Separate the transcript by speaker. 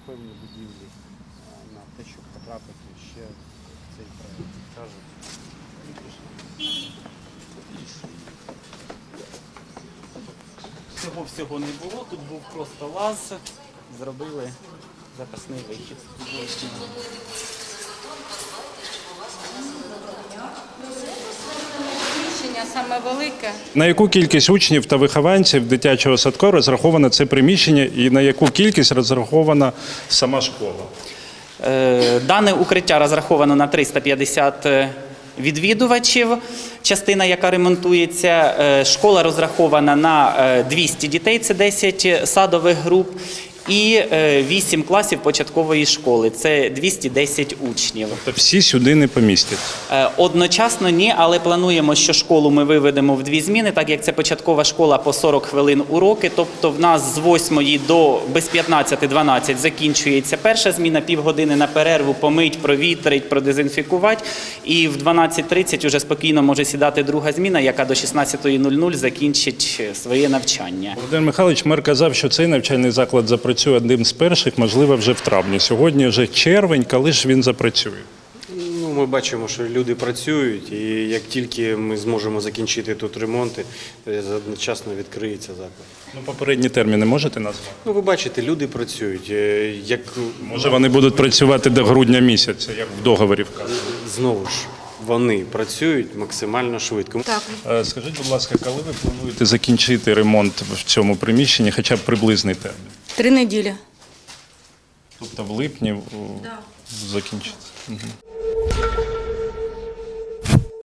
Speaker 1: певні будівлі на те, щоб потрапити ще в цей проєкт. Кажуть,
Speaker 2: Всього не було, тут був просто лаз, зробили запасний вихід.
Speaker 3: Приміщення саме велике.
Speaker 4: На яку кількість учнів та вихованців дитячого садку розраховано це приміщення і на яку кількість розрахована сама школа?
Speaker 2: Дане укриття розраховано на 350 відвідувачів, частина, яка ремонтується. Школа розрахована на 200 дітей, це 10 садових груп, і 8 класів початкової школи, це 210 учнів.
Speaker 4: Тобто всі сюди не помістять?
Speaker 2: Одночасно ні, але плануємо, що школу ми виведемо в 2 зміни, так як це початкова школа по 40 хвилин уроки, тобто в нас з 8 до без 15-12 закінчується перша зміна, півгодини на перерву, помить, провітрить, продезінфікувати, і в 12:30 вже спокійно може сідати друга зміна, яка до 16:00 закінчить своє навчання.
Speaker 4: Володимир Михайлович, мер казав, що цей навчальний заклад запрацює одним з перших, можливо, вже в травні. Сьогодні вже червень, коли ж він запрацює?
Speaker 1: Ну, ми бачимо, що люди працюють, і як тільки ми зможемо закінчити тут ремонти, одночасно відкриється заклад.
Speaker 4: Ну, попередні терміни можете назвати?
Speaker 1: Ну, ви бачите, люди працюють. Як
Speaker 4: Може, вони будуть працювати до грудня місяця, як в договорі вказано?
Speaker 1: знову ж, вони працюють максимально швидко.
Speaker 3: Так.
Speaker 4: Скажіть, будь ласка, коли ви плануєте закінчити ремонт в цьому приміщенні, хоча б приблизний термін?
Speaker 3: 3 неділі.
Speaker 4: Тобто в липні закінчиться? Угу.